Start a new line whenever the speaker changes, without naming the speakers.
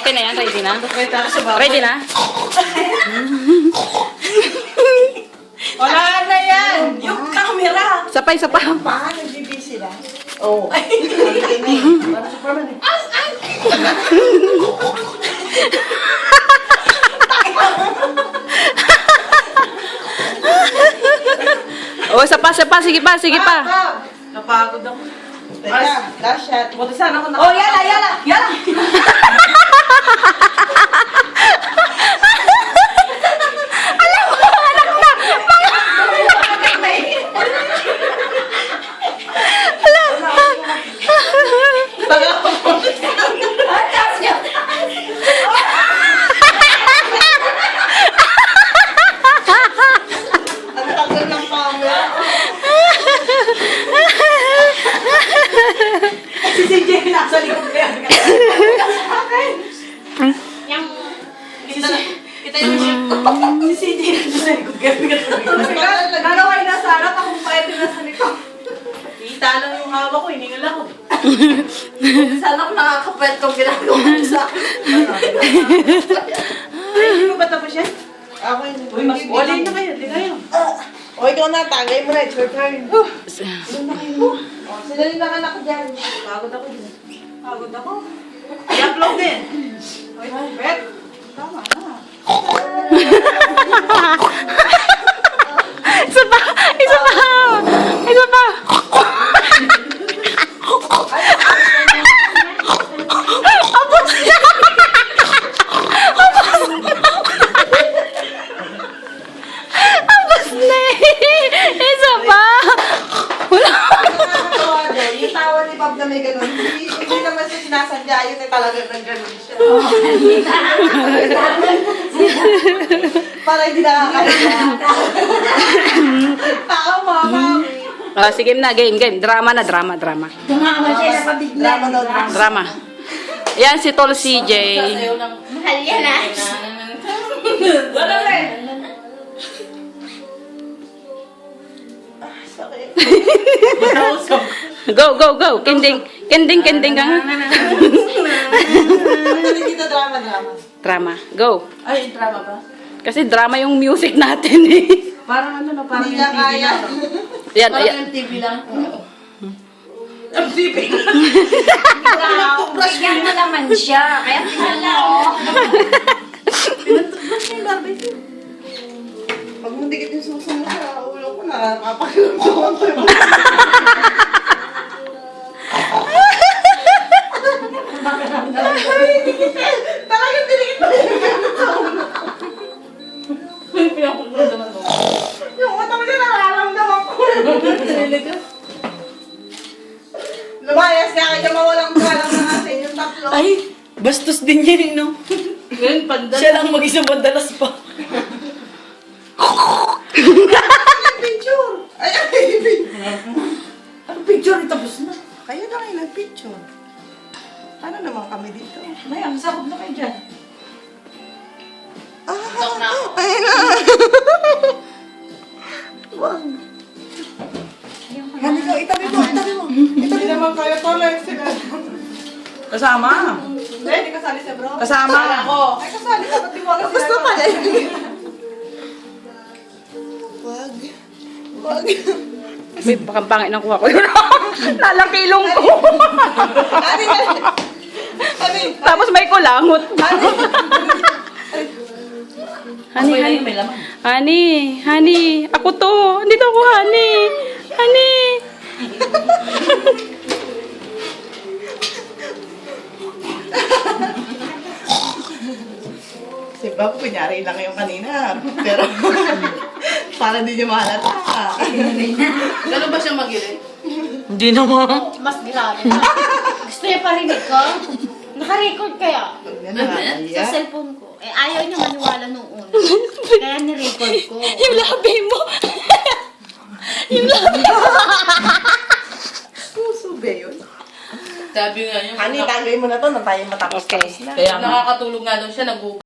Okay na yan? Ready na?
Wala
Ready na?
na yan! Yung camera!
Sapay, sapa.
Paano nagbibisi sila? Oo. Ay, parang Superman eh.
Oh, sapa. Sige pa.
Napagod ako. Teka, last shot. Buti sana ako
Oh, yala!
Ang tagal ng camera. Si CJ nasa likod kaya. Kita yung si CJ nasa likod kaya.
Nalaway na sa harap, akong pwede na sa likod.
Kita lang yung hawak ko, hiningal ako.
Sana ako nakakapwet kung ginagawa ko sa akin.
Ay, hindi mo ba tapos yan? Ako yun. Uy, mas wali na kayo, di kayo. O, ikaw na, tagay mo na, it's your turn.
Sila rin ang anak ko dyan.
Pagod ako din. Pagod ako. I-upload din. Uy, Bet. Tama na.
Isa pa. Isa pa.
Yung tawa ni Bob na may ganun, hindi naman siya sinasadya, yun eh talagang nag-ganun siya. Para hindi nakakaya. Tama, mami.
Oh, sige na, game. Drama.
Tumama siya na pabigla.
Drama daw, drama.
Drama. Yan si Tol CJ.
Mahal yan ah.
Wala rin. Sakit.
Go. Kending ka nga.
Hindi kita drama.
Drama. Go.
Ay, drama ba?
Kasi drama yung music natin eh.
Parang ano na, parang hindi
ya,
niya kaya.
Yan.
MTV lang. MTV.
Bigyan mo naman siya. Kaya pinala mo.
Pinatugmas niya yung barbie. Pag mundikit yung susunod sa ulo ko, nakakapakiramdaman ko yung talagang dinikit pa yung sa ulo ko. Yung pinapagramdaman mo. Yung utang niya nararamdaman ko. Lumayas ka kaya mawalang galang na natin yung tatlo.
Ay, bastos din yan, no?
Ngayon, pandan.
Siya lang mag-isang madalas pa.
Picture. Ay,
Ang picture, tapos na.
kayo na kayo nag-picture. Ano naman kami dito?
May, ang sakot na kayo dyan.
Ayun na. Wag. Hani ko, itabi mo. Itabi naman kayo, tolerance sila.
Kasama.
Hindi, hindi kasali sa bro.
Kasama.
Ako. Ay, kasali ka, pati mo lang sila. Pala. Wag.
Uy, baka pangit ng kuha ko yun. Nalakilong ko.
Hani.
Tapos may kulangot. Honey. Ako to. Andito ako, honey.
Si Bob, kunyari lang yung kanina. Pero, parang hindi niyo mahalata. Ganun ba siya mag-irit?
Hindi naman.
Mas grabe na. Gusto niya parinig ko? Naka-record kaya? Sa cellphone ko. Eh, ayaw niya maniwala nung una. Kaya ni-record ko.
Yung labi mo.
Puso ba yun?
Sabi nga yun.
Hani, tagay mo na to nang tayo matapos.
Okay.
Kaya nakakatulog nga daw siya,